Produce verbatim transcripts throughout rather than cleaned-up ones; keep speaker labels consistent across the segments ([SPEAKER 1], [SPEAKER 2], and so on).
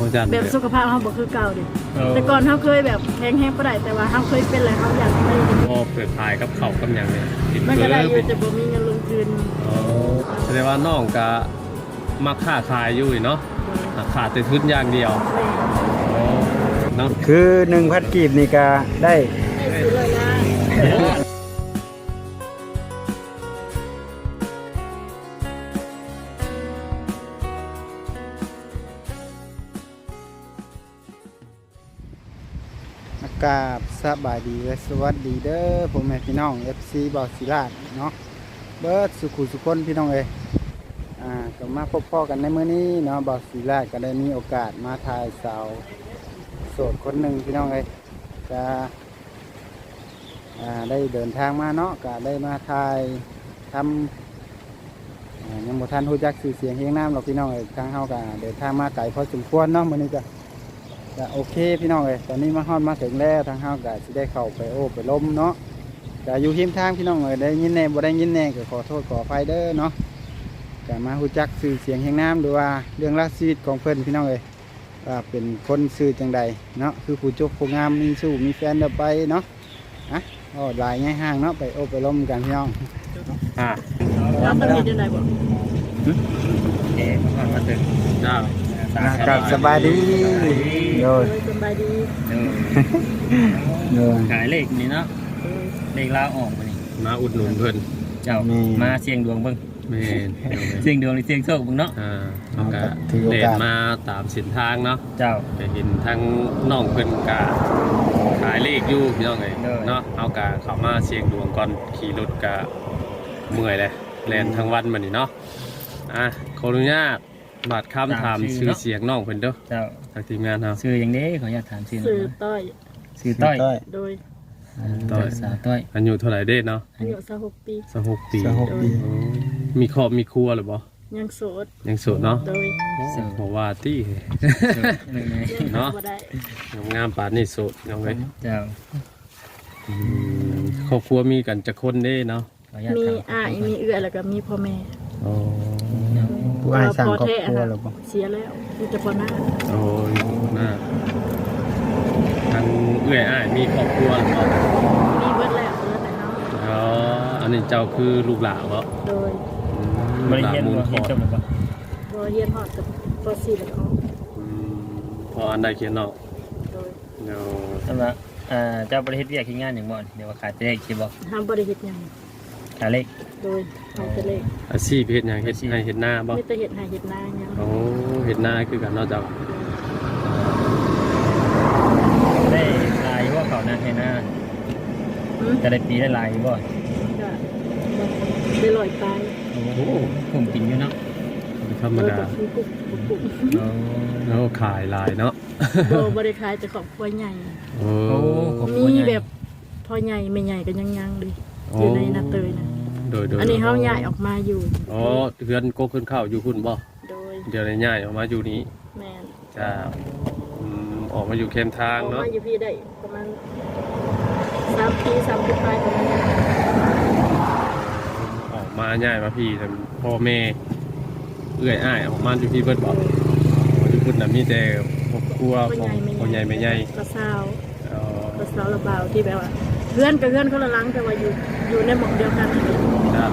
[SPEAKER 1] จันแบบสุขภาพเฮาบ่คือเก่าดิแต่ก่อนเฮาเคยแบบแข็งแรงบ่ได้แต่ว่าเฮาเคยเป็นแล้วเฮาอยากไป
[SPEAKER 2] พอเปิดขายกับข้าวกับหยังเนี่ย
[SPEAKER 1] มันก็ได้อยู่แต่บ่มีเงินลงทุน
[SPEAKER 2] อ๋อแสดงว่าน้องก็มาค้าขายอยู่เนาะขาดแต่ทุนอย่างเดียวเนาะ
[SPEAKER 3] คือหนึ่งพันกีบนี่ก็ได้
[SPEAKER 1] ได้ซื้อเลยนะ
[SPEAKER 3] กราบสบายดีและสวัสดีเด้อผมแม่พี่น้อง เอฟ ซี บ่าวศิลาดเนาะเบิร์ดสุขุสุคนพี่น้องเอ้ยอ่าก็มาพบพ่อกันในมื้อนี้เนาะบ่าวศิลาดก็ได้มีโอกาสมาถ่ายสาวโสดคนหนึ่งพี่น้องเอ้ยจะอ่าได้เดินทางมาเนาะก็ได้มาถ่ายทำอ่ายังบ่ทันฮู้จักชื่อเสียงเฮียงน้ำหรอกพี่น้องเอ้ยทางเฮาก็เดินทางมาไกลพอสมควรเนาะมื้อนี้ก็โอเคพี่น้องเอ้ยตอนนี้มาฮอดมาถึงแล้วทางเฮาก็สิได้เข้าไปโอ้ไปล้มเนาะก็อยู่ริมทางพี่น้องเอ้ยได้ยินแน่บ่ได้ยินแน่ก็ขอโทษขออภัยเด้อเนาะก็มาฮู้จักชื่อเสียงแห่งน้ำหรือว่าเรื่องราวชีวิตของเพิ่นพี่น้องเอ้ยว่าเป็นคนชื่อจังใดเนาะคือผู้จบผู้งามมีสู้มีแฟนเด้อไปเนาะอ่ะอ๋อหลายง่ายห้างเนาะไปโอ้ไปล้มกันพี่น้อง
[SPEAKER 2] อ่า
[SPEAKER 1] แล้วมันมีอยู่ไหนบ่
[SPEAKER 2] เอ๊ะมาถึงจ้า
[SPEAKER 3] ครับสบายดีโดย
[SPEAKER 1] สบายดี
[SPEAKER 3] โดย
[SPEAKER 4] ขายเลขนี่เนาะเลขลาออกมานี่
[SPEAKER 2] มาอุดหนุนเพิ่น
[SPEAKER 4] เจ้ามาเสี่ยงดวงเบิ่ง
[SPEAKER 2] แม่น
[SPEAKER 4] เสี่ยงดวงหรือเสี่ยงโชคเบิ่งเนาะ
[SPEAKER 2] อ่าเขาก็เดินมาตามเส้นทางเนาะ
[SPEAKER 4] เจ้า
[SPEAKER 2] ไปเห็นทั้งน้องเพิ่นก็ขายเลขอยู่พี่น้องเอ้ยเนาะเอาก็เข้ามาเสี่ยงดวงก่อนขี่รถก็เมื่อยเลยแล่นทั้งวันมื้อนี้เนาะอ่ะขออนุญาตบาดคำถามชื่อเสียงน้องเพิ่นเด้อ
[SPEAKER 4] เจ้า
[SPEAKER 2] ทางทีมงานเฮา
[SPEAKER 4] ชื่อหยังเด้ขออนุญาตถามชื่อ
[SPEAKER 1] ชื่อต้อย
[SPEAKER 4] ชื่อต้อย
[SPEAKER 1] โดย
[SPEAKER 2] ต้อย
[SPEAKER 4] สาวต้อย
[SPEAKER 2] อายุเท่าไหร่เด้เนาะ
[SPEAKER 1] อายุยี่สิบหกปี
[SPEAKER 2] ยี่สิบหกปี
[SPEAKER 3] ยี่สิบหกปี
[SPEAKER 2] มีครอบมีครัวหรือบ่
[SPEAKER 1] ยังโสด
[SPEAKER 2] ยังโสดเนาะ
[SPEAKER 1] โดย
[SPEAKER 2] เพราะว่าตี้เนาะงามปานนี่โสดน้องเอ้ย
[SPEAKER 4] เจ้า
[SPEAKER 2] ครอบครัวมีกันจักคนเด้เนาะ
[SPEAKER 1] มีอ้ายมีเอื้อแล้วก็มีพ่อแม่
[SPEAKER 2] อ๋อ
[SPEAKER 3] ผู้อ้ายสร้างครอบครัวหรือบ่
[SPEAKER 1] เสียแล้วมีแต่พ่อหน้า
[SPEAKER 2] โอ้ยหน้าทางเอื้อยอ้ายมีครอบครัวหรือเปล่า
[SPEAKER 1] มีเบิดแล้วเบิดแต่เฮา
[SPEAKER 2] อ๋ออันนี้เจ้าคือลูกหลานบ่
[SPEAKER 1] โดย
[SPEAKER 4] บ่ได้เรียนบ่เรียนจบแล้วบ่
[SPEAKER 1] บ่เรียนฮอดกับป.สี่ แล้วก็
[SPEAKER 2] อืมพออันใดเขียนเนาะ
[SPEAKER 1] โดย
[SPEAKER 2] เนาะ
[SPEAKER 4] สำหรับอ่าเจ้าบ่ได้เฮ็ดเวียกเฮ็ดงานหยังบ่เดี๋ยวว่าขายเลขสิบ่
[SPEAKER 1] ห้ามบ่ได้เฮ็ดหยัง
[SPEAKER 4] ขายเลข
[SPEAKER 1] โดยขายแต่เลข
[SPEAKER 2] อาชีพเฮ็ดหยังเฮ็ดให้เฮ็ดหน้าบ่
[SPEAKER 1] มีแต่เฮ็ดให้เฮ็ดนาหยัง
[SPEAKER 2] โอ้เฮ็ดหน้าคือกันเนาะเจ้า
[SPEAKER 4] ได้ลายว่าเขาหน้าให้หน้าจะได้ปีได้ลายบ่
[SPEAKER 1] ได้ลอยไป
[SPEAKER 4] โอ้โหผมกินอยู่เนาะ
[SPEAKER 2] ธรรมดาแล้วขายลายเนาะ
[SPEAKER 1] โอ้บริขายแต่ครอบครัวใหญ่
[SPEAKER 2] โอ้
[SPEAKER 1] มีแบบพ่อใหญ่ไม่ใหญ่ก็ยังยังเลยอยู่ในนาเตยนะ
[SPEAKER 2] โดยโดย
[SPEAKER 1] อันนี้เขาย้ายออกมาอยู่
[SPEAKER 2] อ๋อเพื่อนโกขึ้นเข้าอยู่คุณบ่
[SPEAKER 1] โดย
[SPEAKER 2] เดี๋ยวในย้ายออกมาอยู่นี้
[SPEAKER 1] แม่
[SPEAKER 2] จะออกมาอยู่เข้มทางเนาะ
[SPEAKER 1] ออกมาอยู่พี่ได้ประมาณสามปีสามปีไปประมาณนี้
[SPEAKER 2] ออกมาย้ายมาพี่แต่พ่อแม่เอื้อยอ้ายออกมาอยู่พี่เบิดบ่อยู่คุณน่ะมีแต่ครอบครัวของพ่อใหญ่แม่ใหญ่
[SPEAKER 1] กระเซากระเซาระบาวที่แบบว่าเพื่อนกับเพื่อนเขาละลังแต่ว่าอยู่อยู่ในหมู่เดียวกัน
[SPEAKER 2] ครับ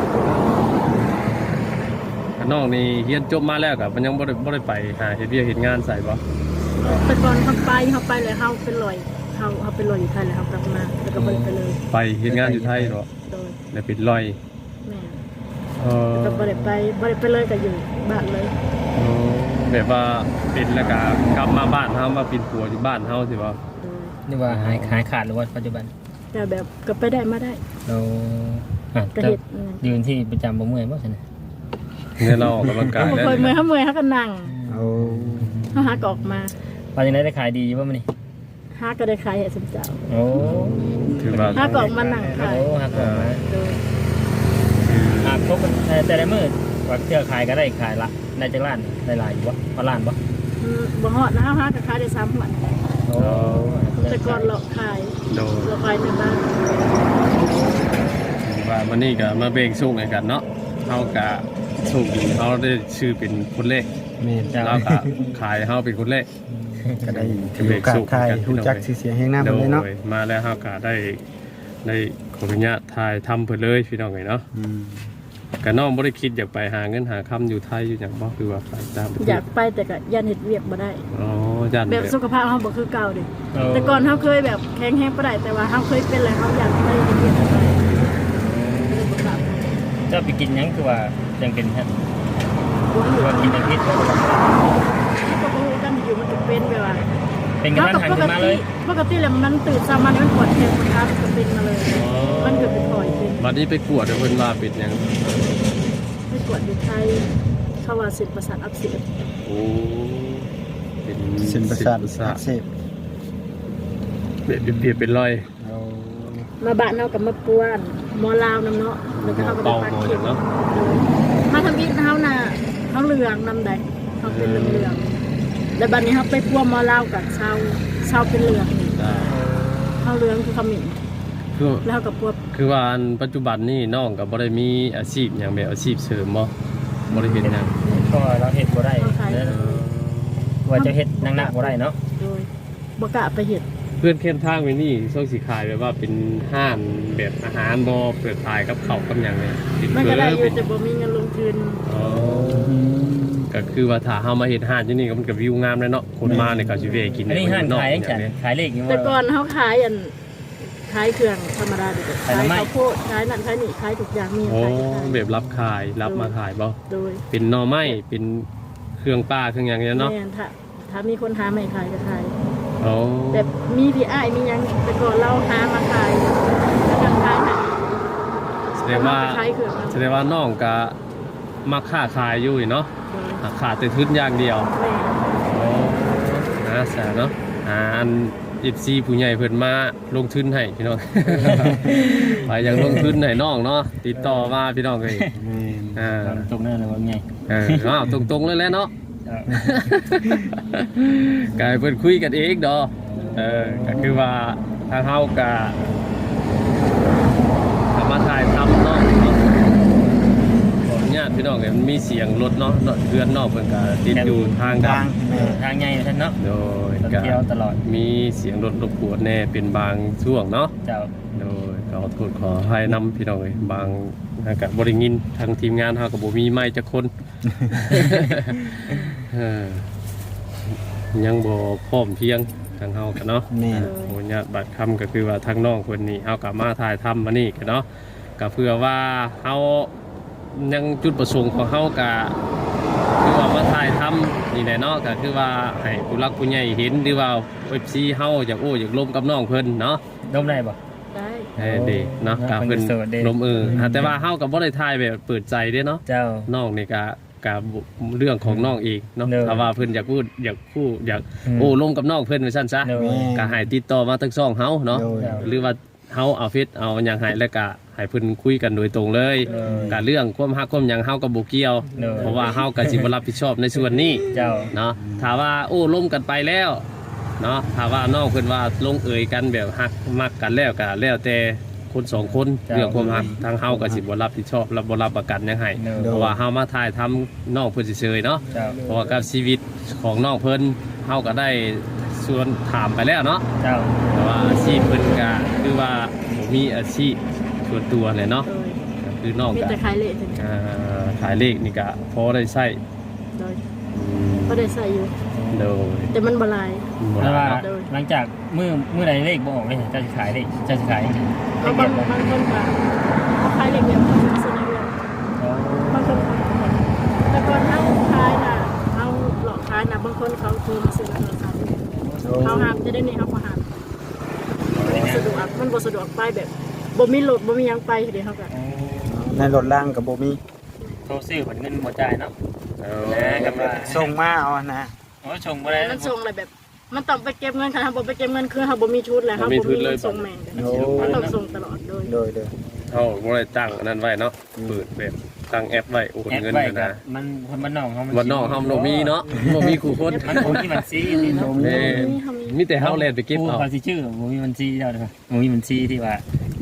[SPEAKER 2] น้องนี่เรียนจบมาแล้วกับมันยังบ่ได้บ่ได้ไปหาเฮ็ดเวียกเฮ็ดงานใส่บ่
[SPEAKER 1] แต่ก่อนเขาไปเขาไปเลยเขาเป็นลอยเขาเขาเป็นลอยอยู่ไทยเลยเขากลับมาแล้วก็บ่ได้ไปเลย
[SPEAKER 2] ไปเฮ็ดงานอยู่ไทยเหรอ
[SPEAKER 1] โดย
[SPEAKER 2] แล้วเป็นลอย
[SPEAKER 1] แม่เออก็บ่ได้ไปบ่ได้ไปเลยก็อยู่บ้านเลย
[SPEAKER 2] อ๋อแบบว่าเป็นแล้วก็กลับมาบ้านเฮามาเป็นผัวอยู่บ้านเฮาสิบ่
[SPEAKER 4] นี่ว่าหายหายขาดหรือว่าปัจจุบัน
[SPEAKER 1] แต่แบบก็ไปได้มาได้
[SPEAKER 4] เราอ่ะจะยืนที่ประจำบ่เมื่อยบ่ใช่ไหม
[SPEAKER 2] เนี่ยเราออกกำลังกาย
[SPEAKER 1] แล้วเมื่อยเขาเมื่อยเขาก็นั่ง
[SPEAKER 3] เอา
[SPEAKER 1] เขาหาออกมา
[SPEAKER 4] พอจะได้ขายดีป่ะมันนี่
[SPEAKER 1] หาก็ได้ขายให้สมเจ้า
[SPEAKER 4] โอ้
[SPEAKER 2] ถือว่า
[SPEAKER 1] หาออกมานั่งขาย
[SPEAKER 4] โอ้หาออกมาหาครบแต่ละมื้อว่าเที่ยวขายก็ได้ขายละได้จังล้านได้หลายอยู่บ่พอล้านบ่
[SPEAKER 1] บ่ฮอดนะหาก็ขายได้สามหัว
[SPEAKER 4] โอ้
[SPEAKER 1] แต่ก่อนเราขายเราขายในบ้าน
[SPEAKER 2] ว่ามันนี่ก็มาเบ่งสู้กันเนาะเฮาก็โชคดีเฮาได้ชื่อเป็นคนแรก
[SPEAKER 3] แม่น
[SPEAKER 4] จ้า
[SPEAKER 2] แล้วก็ขายเฮาเป็นคนแรก
[SPEAKER 3] ก็ได้ถือโอกาสถ่ายรู้จักชื่อเสียงแห่งหน้า
[SPEAKER 2] โด
[SPEAKER 3] เพิ่นเลยเนาะ
[SPEAKER 2] ยมาแล้วเฮาก็ได้ได้ขออนุญาตถ่ายทำเพิ่นเลยพี่น้องเอ้ยเนาะ
[SPEAKER 3] อืม
[SPEAKER 2] ก็น้องบ่ได้คิดอยากไปหาเงินหาค่ำอยู่ไทยอยู่หยังบ่คือว่าไปตามประเทศ
[SPEAKER 1] อยากไปแต่ก็ยันเฮ็ดเวียกบ่ได้
[SPEAKER 2] อ๋อยัน
[SPEAKER 1] แบบสุขภาพเฮาบ่คือเก่าเด้แต่ก่อนเฮาเคยแบบแข็งแรงบ่ได้แต่ว่าเฮาเคยเป็นแล้วเฮาอยากไปเฮ็ดเวียกบ่ได้
[SPEAKER 4] เจ้าไปกินหยังคือว่าจังเป็นฮะ
[SPEAKER 1] บ่
[SPEAKER 4] คือ
[SPEAKER 1] รู้
[SPEAKER 4] ว่ากินจังพิษ
[SPEAKER 1] ก็บ่รู้กันอยู่มันจะเป็นแบบว่า
[SPEAKER 4] เป็นกันมันหันขึ้นมาเลย
[SPEAKER 1] ปกติแล้วมันตื่นเช้ามามันปวดแขนปวดขามันก็เป็นมาเลย มันเกิดเป็นปล่อยเป็น
[SPEAKER 2] บัดนี้ไปกวดเพิ่นว่าเป็นหยัง
[SPEAKER 1] ไปกวดอยู่ไทยเขาว่าเส้นประสาทอักเสบ
[SPEAKER 2] โอ้เป็น
[SPEAKER 3] เส้นประสาท
[SPEAKER 2] เส้น
[SPEAKER 3] อักเสบ
[SPEAKER 2] เปรียบเปรียบเป็นรอย
[SPEAKER 3] เอา
[SPEAKER 1] มาบ้านเฮากับมาป้วนหมอลาวนำเนาะแล้วก็เฮาก็
[SPEAKER 2] เป่า
[SPEAKER 1] ไป
[SPEAKER 2] หมอ
[SPEAKER 1] ปัก
[SPEAKER 2] อ
[SPEAKER 1] เข็
[SPEAKER 2] ย่าม งเนาะ
[SPEAKER 1] มาทำอีกเฮาน่ะเฮาเหลืองนำใดเฮาเป็นเหลืองๆแล้วบัดนี้เฮาไปป้วหมอลาวกับชาวชาวเป็นเหลือง
[SPEAKER 2] อ่า
[SPEAKER 1] เฮาเหลืองคือขมิ้น
[SPEAKER 2] คือ
[SPEAKER 1] แล้วเฮากับพวก
[SPEAKER 2] คือว่าอันปัจจุบันนี่น้องก็บ่ได้มีอาชีพหยังแบบอาชีพเสริมบ่บ่ได้เฮ็ดหยัง
[SPEAKER 4] ก็เราเฮ็ดบ่ได้ว่าจะเฮ็ดหนักๆบ่ได้เนาะ
[SPEAKER 1] โดยบ่กล้าไปเฮ็ด
[SPEAKER 2] เพื่อนเข้มทางไว้นี่ช่วงสิขายแบบว่าเป็นห้านแบบอาหารบ่เปิดขายกับข้าวกับหยังเนี่ยติด
[SPEAKER 1] มัน
[SPEAKER 2] เบ
[SPEAKER 1] ก็
[SPEAKER 2] อ
[SPEAKER 1] ได้อ
[SPEAKER 2] ร์
[SPEAKER 1] ยู่
[SPEAKER 2] เป็น
[SPEAKER 1] แต่บ่มีเงินลงทุน
[SPEAKER 2] อ๋อก็คือว่าถ้าเฮามาเฮ็ดห้านที่นี่ก็มันก็วิวงามเลยเนาะคนมาเนี่ยก็สิเวะกิน
[SPEAKER 4] อันนี้ห้านขายจังขายเลขอยู่
[SPEAKER 1] แต่ก่อนเขาขายอันขายเครื่องธรรมดาเด็ก
[SPEAKER 4] ขาย
[SPEAKER 1] ขาย
[SPEAKER 4] น้ำไม้
[SPEAKER 1] ข้าวโพดขายนั่นขายนี่ขายทุกอย่างมี
[SPEAKER 2] โอ้
[SPEAKER 1] ขายทุกอย่าง
[SPEAKER 2] แบบรับขายรับมาขายบ่
[SPEAKER 1] โดย
[SPEAKER 2] เป็นหน่อไม้เป็นเครื่องป้าเครื่องหยังเนี่ยเนาะ
[SPEAKER 1] แม่นถ้าถ้ามีคนหาไม่ขายก็ขาย
[SPEAKER 2] อ๋อ
[SPEAKER 1] แบบมีพี่อ้ายมีหยังแต่ก่อนเราหามาขายแล้วก็ขายให้
[SPEAKER 2] แสดงว่า
[SPEAKER 1] ขายเครื่อง
[SPEAKER 2] แสดงว่าน้องก็มาค้าขายอยู่เนาะ
[SPEAKER 1] โดย
[SPEAKER 2] หาขาดแต่ทุนอย่างเดียว
[SPEAKER 1] แม่
[SPEAKER 2] โอ้นะแสนเนาะอ่าอันอีซีผู้ใหญ่เพิ่นมาลงทุนให้พี่น้อง ไปอยากลงทุนให้น้องเนาะติดต่อมาพี่น้องเลย
[SPEAKER 3] แม่น
[SPEAKER 2] อ่า
[SPEAKER 4] ตรงนั้นเลยว่าไง
[SPEAKER 2] เอออ้าวตรงๆเลยแหล้วเนาะ กายเพิ่นคุยกันเองดอกเออก็คือว่าทางเฮาก็ทำมาถ่ายทำเนาะขออนุญาตพี่น้องเอ้ยมันมีเสียงรถเนาะเนาะเพื่อนนอกเพิ่นก็ติดอยู่ทาง
[SPEAKER 3] ทา
[SPEAKER 2] ดั
[SPEAKER 3] ง
[SPEAKER 2] ง
[SPEAKER 3] แม่น
[SPEAKER 4] ทางใหญ่ท่านเนาะ
[SPEAKER 2] โดย
[SPEAKER 4] ต้อง
[SPEAKER 2] ก็
[SPEAKER 4] เที่ยวตลอด
[SPEAKER 2] มีเสียงรถรบกวนแน่เป็นบางช่วงเนาะ
[SPEAKER 4] เจ้า
[SPEAKER 2] โดยขอโทษขอให้นำพี่น้องเอ้ยบางอากาศบ่ได้ยินทางทีมงานเฮาก็บ่มีไม้จักคน เออยังบ่พร้อมเพรียงทางเฮากันเนาะ
[SPEAKER 3] แม่น
[SPEAKER 2] โอ้ญาติบัตรคำก็คือว่าทางน้องคนนี้เฮากลับมาถ่ายทำมานี่กันเนาะก็เพื่อว่าเฮายังจุดประสงค์ของเฮาก็คือว่ามาถ่ายทำนี่แหละเนาะก็คือว่าให้ผู้รักผู้ใหญ่เห็นหรือว่า เอฟ ซี เฮาอยากโอ้อยากลมกับน้องเพิ่นเนาะ
[SPEAKER 4] ดมได้บ่
[SPEAKER 1] ได้
[SPEAKER 2] เอ้ดีเนาะก็เพิ่น
[SPEAKER 4] เพิ่นโสดเด้
[SPEAKER 2] ลมเอออ่ะแต่ว่าเฮาก็บ่ได้ถ่ายแบบเปิดใจเด้เนาะ
[SPEAKER 4] เจ้า
[SPEAKER 2] น้องนี่ก็ก็เรื่องของน้องเองเนาะ
[SPEAKER 4] เนอะ
[SPEAKER 2] ถ้าว่าเพิ่นอยากพูดอยากพูดอยาก
[SPEAKER 4] อืม
[SPEAKER 2] โอ้ลมกับน้องเพิ่นว่าซั่นซะ
[SPEAKER 4] เนอะ
[SPEAKER 2] ก็ให้ติดต่อมาทั้งสองเฮาเนาะ
[SPEAKER 3] โดย
[SPEAKER 2] หรือว่าเฮาเอาเฟซเอาหยังให้แล้วก็ให้เพิ่นคุยกันโดยตรงเลย
[SPEAKER 4] เออ
[SPEAKER 2] ก็เรื่องความฮักความหยังเฮาก็บ่เกี่ยว
[SPEAKER 4] เนอะ
[SPEAKER 2] เพราะว่าเฮาก็สิบ่รับผิดชอบในส่วนนี้
[SPEAKER 4] เจ้า
[SPEAKER 2] เนาะถ้าว่าโอ้ล้มกันไปแล้วเนาะถ้าว่าน้องเพิ่นว่าลงเอยกันแบบฮักมักกันแล้วก็แล้วแต่คนสองคน
[SPEAKER 4] จ้ะ
[SPEAKER 2] เรื่องความฮักทางเฮาก็สิบ่รับผิดชอบรับบ่รับประกันหยังให้
[SPEAKER 4] เนอะ
[SPEAKER 2] เพราะว่าเฮามาถ่ายทำน้องเพิ่นเฉยๆเนาะ
[SPEAKER 4] เจ้า
[SPEAKER 2] เพราะว่ากับชีวิตของน้องเพิ่นเฮาก็ได้ส่วนถามไปแล้วเนาะ
[SPEAKER 4] เจ้า
[SPEAKER 2] แต่ว่าอาชีพเพิ่นก็คือว่าบ่มีอาชีพส่วนตัวเลยเนาะ
[SPEAKER 1] โดย
[SPEAKER 2] ก็คือน้อง
[SPEAKER 1] มี
[SPEAKER 2] ก็
[SPEAKER 1] แต่ขายเละถึง
[SPEAKER 2] อ่าขายเลขนี่ก็พอได้ใช้
[SPEAKER 1] โดย
[SPEAKER 2] อืม
[SPEAKER 1] ก็ได้ใส่อยู่
[SPEAKER 2] โดย
[SPEAKER 1] แต่มันบหลาย
[SPEAKER 2] บ่
[SPEAKER 4] แต่
[SPEAKER 2] ได้
[SPEAKER 4] ว่า
[SPEAKER 2] เนาะ
[SPEAKER 4] หลังจากมือมือใดเลขบ่ออกเลยเจ้าสิขายเลขเจ้าสิขายเลข
[SPEAKER 1] เอา
[SPEAKER 4] เก็
[SPEAKER 1] บาง
[SPEAKER 4] บบ่
[SPEAKER 1] บางคนก็เขาขายเล็กแบบเขาซื้อในเรือนบางคนแต่ก่อนเขาขายน่ะเขาหลอกขายน่ะบางคนเขาโทรมาซื้อในโทรศัพท์เขาห้ามจะได้นี่เขาก็ห้ามบ่สะดวกมันบ่สะดวกไปแบบบ่มีรถบ่มีหยังไปเดี๋ยวเขาก็
[SPEAKER 3] ในรถล่างก็บ่มี
[SPEAKER 4] โทรซื้อผลเงินบ่จ่ายเนาะ
[SPEAKER 2] เอ
[SPEAKER 4] แหน่กับว่า
[SPEAKER 3] ส่งมาเอานะ
[SPEAKER 4] โอ้ชงบ่ได้
[SPEAKER 1] มันส่งอะไรแบบ มันต้องไปเก็บเงินค่ะถ้าบ่ไปเก็บเงินคือเขาบ่มีชุดแล้วเขาบ่มีเงินส่งแม่ง
[SPEAKER 3] โอ้
[SPEAKER 1] มันต้องส่งตลอดโดย
[SPEAKER 3] โดยโดย
[SPEAKER 2] เขาบ่ได้ตั้งอันนั้นไว้เนาะเปิดแบบตั้งแอปไว้โอน
[SPEAKER 4] แอป
[SPEAKER 2] เงิน
[SPEAKER 4] ไว้
[SPEAKER 2] กัน
[SPEAKER 4] กับ
[SPEAKER 2] นะ
[SPEAKER 4] มันคนบ้านนอกเฮามั
[SPEAKER 2] วันนอกเฮาบ่มีเนาะบ่มีคู่คน
[SPEAKER 4] มันบ่มีบัญชีนี่เนาะ
[SPEAKER 2] เอ้มีแต่เฮาแล่นไปเก็บเอา
[SPEAKER 4] ผู้เขาสิชื่อบ่มีบัญชีเจ้าเด้อบ่มีบัญชีที่ว่า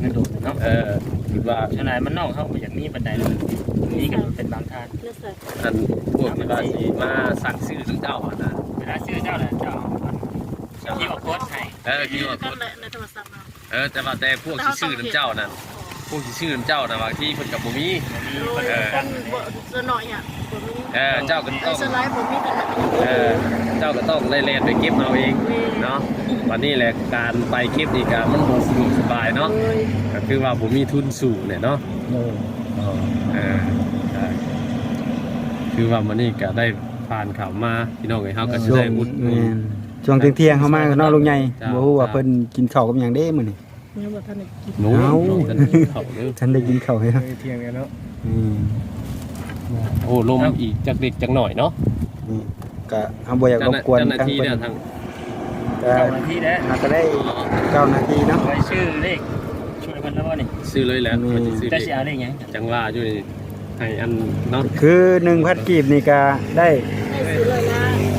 [SPEAKER 4] งินโดดเนาะ
[SPEAKER 2] เออคิดว่า
[SPEAKER 4] ขนาดมันนอกเฮาบ่อยากมีบันไดเลยนี่ก็เป็นบางทาง
[SPEAKER 1] เลือกใส่
[SPEAKER 2] อันพวกที่ว่าสิมาสั่งซื้อถึงเจ้าอ่ะนะ
[SPEAKER 4] เวลาซื้อเจ้าน่ะเจ้าที่ว่าโพสต์ให้
[SPEAKER 2] เออคิดว่า
[SPEAKER 1] กันแหละในโทรศัพท์เรา
[SPEAKER 2] เออแต่ว่าแต่พวกที่ซื้อน้ำเจ้านั่นพวกที่ซื้อน้ำเจ้าน่ะบางที่เพิ่นกับบ่มี
[SPEAKER 1] โดยคนบ่จะหน่อยอ่ะผมมี
[SPEAKER 2] เออเจ้าก็ต้อง
[SPEAKER 1] สไลด์ผมมีแต่แบบ
[SPEAKER 2] เออเจ้าก็ต้องไล่เล่นไปเก็บเอาเองเนาะวันนี้แหละการไปเก็บนี่ก็มันบ่สะดวกสบายเนาะ
[SPEAKER 1] โดย
[SPEAKER 2] ก็คือว่าผมมีทุนสูงเนี่ยเนาะ
[SPEAKER 3] โดย
[SPEAKER 2] เออใช่คือว่ามันนี่ก็ได้ผ่านข่าวมาพี่น้องเอ้ยเฮาก็สิ
[SPEAKER 3] ช่ว
[SPEAKER 2] ได้
[SPEAKER 3] ง
[SPEAKER 2] อุดหนุ
[SPEAKER 3] แม่
[SPEAKER 2] น
[SPEAKER 3] นช่วงเที่ยงๆเข้ามาก็เนาะลุงใหญ่
[SPEAKER 2] จ้า
[SPEAKER 3] บ่ฮู้ว่าเพิ่นกินข้าวกับหยังเด้มื้อนี้
[SPEAKER 1] เนี่ยบ่ทันได้กิน
[SPEAKER 2] หนู
[SPEAKER 3] เอ้า
[SPEAKER 2] น้องกันกินข้าวเด้อ
[SPEAKER 3] ฉันได้กินข้าวให้ครับ
[SPEAKER 4] เที่ยงกันเนาะ
[SPEAKER 3] อืม
[SPEAKER 2] โอ้ลมอีกจักเล็กจักหน่อยเนาะ
[SPEAKER 3] นี่ก็เฮาบ่อยากรบกวน
[SPEAKER 2] เจ้าหน้า
[SPEAKER 3] ทาง
[SPEAKER 2] ที่
[SPEAKER 3] เพิ่
[SPEAKER 2] เนี่ย
[SPEAKER 3] น
[SPEAKER 2] ทาง
[SPEAKER 3] ก็
[SPEAKER 4] เก้านาทีแล้ว
[SPEAKER 3] น่าจะได้เก้านาทีเนาะ
[SPEAKER 4] ไว้ชื่อเลขช่วยเพิ่นแล้วบ่นี่
[SPEAKER 2] ซื้อเลยแหละ
[SPEAKER 3] อืม
[SPEAKER 2] มันสิซื้อ
[SPEAKER 4] จะ
[SPEAKER 2] เด็
[SPEAKER 4] สิเอาเลขหยัง
[SPEAKER 2] จังว่าอยู่นี่ให้อันเนาะ
[SPEAKER 3] คือหนึ่งพันกีบนี่ก็ได้
[SPEAKER 1] ได้ซื้อเลยนะ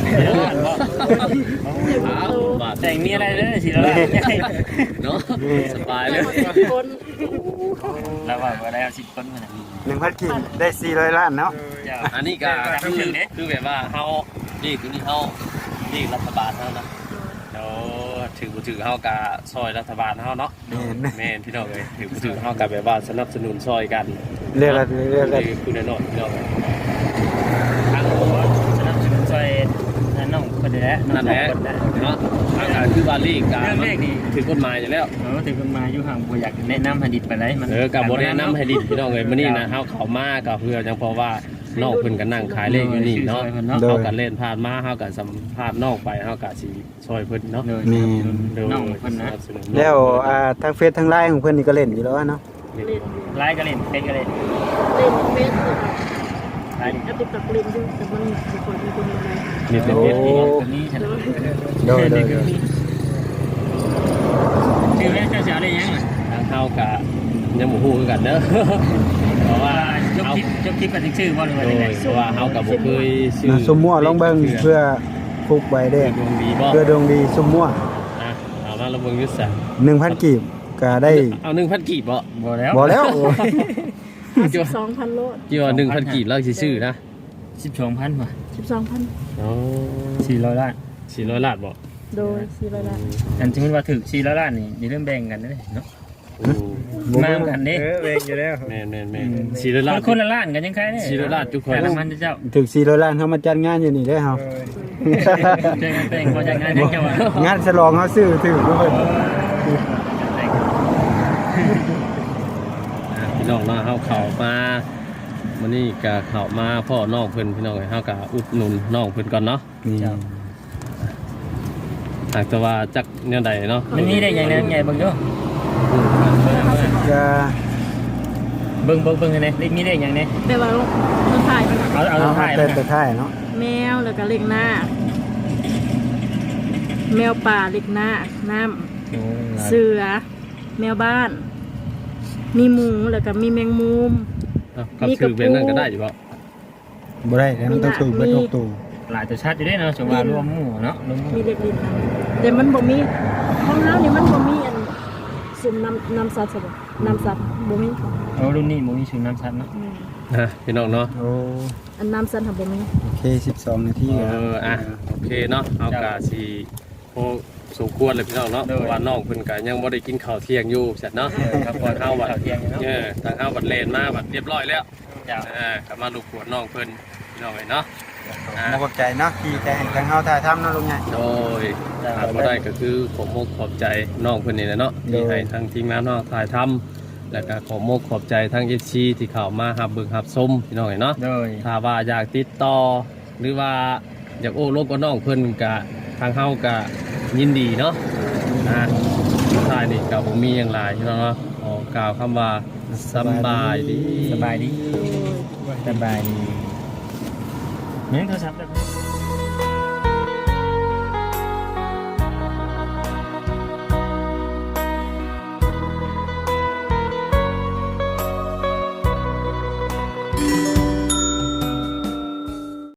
[SPEAKER 2] อ้าวบาท
[SPEAKER 4] แต่งมีอะไรเด้อสิแล้วล่ะ
[SPEAKER 2] เนาะสบายเลย
[SPEAKER 1] คน
[SPEAKER 4] แล้วว่าบ่ได้เอาสิบคนมาน่ะ
[SPEAKER 3] หนึ่งพันกีบได้สี่ร้อยล้านเนาะ
[SPEAKER 4] เจ้า
[SPEAKER 2] อันนี้ก็คือคือแบบว่าเฮานี่คือนี่เฮานี่รัฐบาลเฮานะเดี๋ยวถือบ่ถือเฮากะซอยรัฐบาลเฮาเนาะ
[SPEAKER 3] แม่น
[SPEAKER 2] แม่นพี่น้องเอ้ยถือบ่ถือเฮากะแบบว่าสนับสนุนซอยกัน
[SPEAKER 3] เรียกอะไรเรียกอะไร
[SPEAKER 2] นี่คือแน่นอนพี่น้องเอ้ย
[SPEAKER 4] ทางโอ้สนับสนุนช่วยนั่นน้องเพิ่นนี่แหละ
[SPEAKER 2] นั่นแหละเนาะเฮากะคือว่าลีกกะ
[SPEAKER 4] เรื่อง
[SPEAKER 2] มั
[SPEAKER 4] เล
[SPEAKER 2] น
[SPEAKER 4] ขนี่
[SPEAKER 2] ถือกฎหมายอยู่แล้ว
[SPEAKER 4] เออถึงเพิ่นมาอยู่ห่างบ่อยากแนะนำให้ดิดไปได้มัน
[SPEAKER 2] เออกับบ่แนะนำให้ดิพี่น้องเอ้ยมื้อนี้นะเฮาเข้ามาก็เพื่อจังเพราะว่าน้องเพิ่นก็นั่งขายเลขอยู่นี่เนาะเฮาก็เล่นผ่านมาเฮาก็สัมภาษณ์น้องไปเฮาก็สิช่วยเพิ่นเนาะ
[SPEAKER 4] เลย
[SPEAKER 3] นี่
[SPEAKER 4] น้องเพิ่นนะ
[SPEAKER 3] แล้วอ่าทางเฟซทางไลน์ของเพิ่นนี่ก็เล่นอยู่แล้วเนาะ
[SPEAKER 1] เล่น
[SPEAKER 4] ไลน์ก็เล่นเฟซก็เล่น
[SPEAKER 1] เล่นเฟซเลย
[SPEAKER 4] ไลน์
[SPEAKER 1] แอปติดต่อเล่นอยู่แต่มันมีคนมีคนอะไร
[SPEAKER 2] นี่เป็น
[SPEAKER 3] โอ้
[SPEAKER 2] เฮ็ดเอง
[SPEAKER 4] ตัวนี้ฉัน
[SPEAKER 3] โดยโดยโดย
[SPEAKER 4] ชื่อแรกเจ้าสาวได้ยังอ่ะ
[SPEAKER 2] ทางเฮาก็ยังบ่ฮู้คือกันเด้อเพราะว่า
[SPEAKER 4] จบ
[SPEAKER 2] เฮา
[SPEAKER 4] คลิปจบคลิปกันถึงชื่อบ่หรือว่า
[SPEAKER 2] โด
[SPEAKER 4] จังได๋
[SPEAKER 2] ยเพราะว่าเฮาก็บ่เคยซื้อ
[SPEAKER 3] นะสมมั่วลองเบิ่งเพื่อฟุกไว้เด้
[SPEAKER 2] ดวงดีบ่
[SPEAKER 3] เพื่อดวงดีสมมั่ว
[SPEAKER 2] อ่ะเอามาลองเบิ่งอยู่ซะ
[SPEAKER 3] หนึ่งพันกีบก็ได้
[SPEAKER 2] เอาหนึ่งพันกีบบ่
[SPEAKER 4] บ่แล้ว
[SPEAKER 3] บ่แล้ว
[SPEAKER 1] ห้าสิบสองพันโลด
[SPEAKER 2] กี่ว่าหนึ่งพันกีบแล้วสิซื้อนะ
[SPEAKER 4] สิบสองพันว่ะ
[SPEAKER 1] สิบสองพัน
[SPEAKER 2] อ๋อ
[SPEAKER 4] สี่ร้อยล้าน
[SPEAKER 2] สี่ร้อยล้านบ่
[SPEAKER 1] โดยสี่ร้อยล้าน
[SPEAKER 4] อันสมมุติว่าถึกสี่ร้อยล้านนี่อย่าลืมแบ่งกันเด้อเนาะ
[SPEAKER 2] อืม
[SPEAKER 4] มากันเด้
[SPEAKER 3] เออเวงอยู่แล้ว
[SPEAKER 2] แม่นแม่นแม่นสี่ร้อยล้าน
[SPEAKER 4] คนละล้านกันยังใครเด้
[SPEAKER 2] สี่ร้อยล้านทุกคน
[SPEAKER 4] แต่ละมันเจ้า
[SPEAKER 3] ถึงสี่ร้อยล้านเฮามาจัดงานอยู่นี่เด้อเฮา
[SPEAKER 4] เจอกันแต่งบ่จัดงานยังเจ้าว่ะ
[SPEAKER 3] งานฉลองเฮาซื้อถึงเพิ่น
[SPEAKER 2] อ่ะพี่น้องเนาะเฮาเข้ามามื้อนี้ก็เข้ามาพ่อน้องเพิ่นพี่น้องเอ้ยเฮาก็อุดหนุนน้องเพิ่นก่อนเนาะ
[SPEAKER 3] นี่
[SPEAKER 2] หากแต่ว่าจักแนวใดเนาะ
[SPEAKER 4] มันมีได้ยังไงยังไงเบิ่งดู
[SPEAKER 3] ก็
[SPEAKER 4] เบิ่งเบิ่งเบิ่งกันเด้เลขมีได้ยังไง
[SPEAKER 1] แต่ว่ามันถ่ายมัน
[SPEAKER 4] เอาเอา
[SPEAKER 3] เอา
[SPEAKER 4] ถ่าย
[SPEAKER 3] แต่
[SPEAKER 4] มา
[SPEAKER 3] แต่ท้ายเนาะ
[SPEAKER 1] แมวแล้วก็เล็กหน้า แมวป่าเล็กหน้าน้ำเสือ แมวบ้าน มีหมูแล้วก็มีแมงมุม
[SPEAKER 2] เอ้าครับถือแบบนั้นก็ได้อยู่บ่
[SPEAKER 3] บ่ได้แล้วมันต้องถูกเบิดทุกตัว
[SPEAKER 4] หลายตัวชาติอยู่ได้เนาะจังว่ารวมหมู่เนาะรวมหมู่
[SPEAKER 1] มีเล็กดินน้ำแต่มันบ่มีห้องน้ำนี่มันบ่มีอันสุ่มน้ำน้ำสัตว์ใช่ปะน้ำสัตว์บ่มี
[SPEAKER 4] โอ้รุ่นนี้บ่มีชื่อน้ำชัดเนาะ
[SPEAKER 1] อืม
[SPEAKER 2] ฮะพี่น้องเนาะ
[SPEAKER 3] โอ้
[SPEAKER 1] อันน้ำสัตว์ทำบ่มี
[SPEAKER 3] โอเคสิบสองนาที
[SPEAKER 2] เอออ่ะโอเคเนาะเอากะสิโอ้สมควรเลยพี่น้องเนาะเพราะว่าน้องเพิ่นก็ยังบ่ได้กินข้าวเที่ยงอยู่เสร็จเนาะครับพอเฮาบัด
[SPEAKER 4] เที่ยงเนาะ
[SPEAKER 2] เออทางเฮาบัดเลนมาบัดเรียบร้อยแล้ว
[SPEAKER 4] เจ้า
[SPEAKER 2] เออก็มาลูกขวดน้องเพิ่นพี่น้องเอ้ยเนาะ
[SPEAKER 3] มาขอบใจเนาะที่ใจให้ทางเฮาถ่ายทำเนาะลุงใหญ่
[SPEAKER 2] โดยถ้าบ่ได้ก็คือขอมกขอบใจน้องเพิ่นนี่แหละเนาะที่ให้ทางทีมงานเนาะถ่ายทำแล้วก็ขอมกขอบใจทาง เอฟ ซี ที่เข้ามารับเบิ่งรับชมพี่น้องเอ้ยเนาะ
[SPEAKER 4] โดย
[SPEAKER 2] ถ้าว่าอยากติดต่อหรือว่าอยากโอ้ลบกับน้องเพิ่นกะทางเฮากะยินดีเนาะนะสุดท้ายนี่ก็บ่มีหยังหลายพี่น้องเนาะขอกล่าวคำว่าสำบายดี
[SPEAKER 4] สบายดีสบายดีเหมือนโทรศัพท์แบบนี้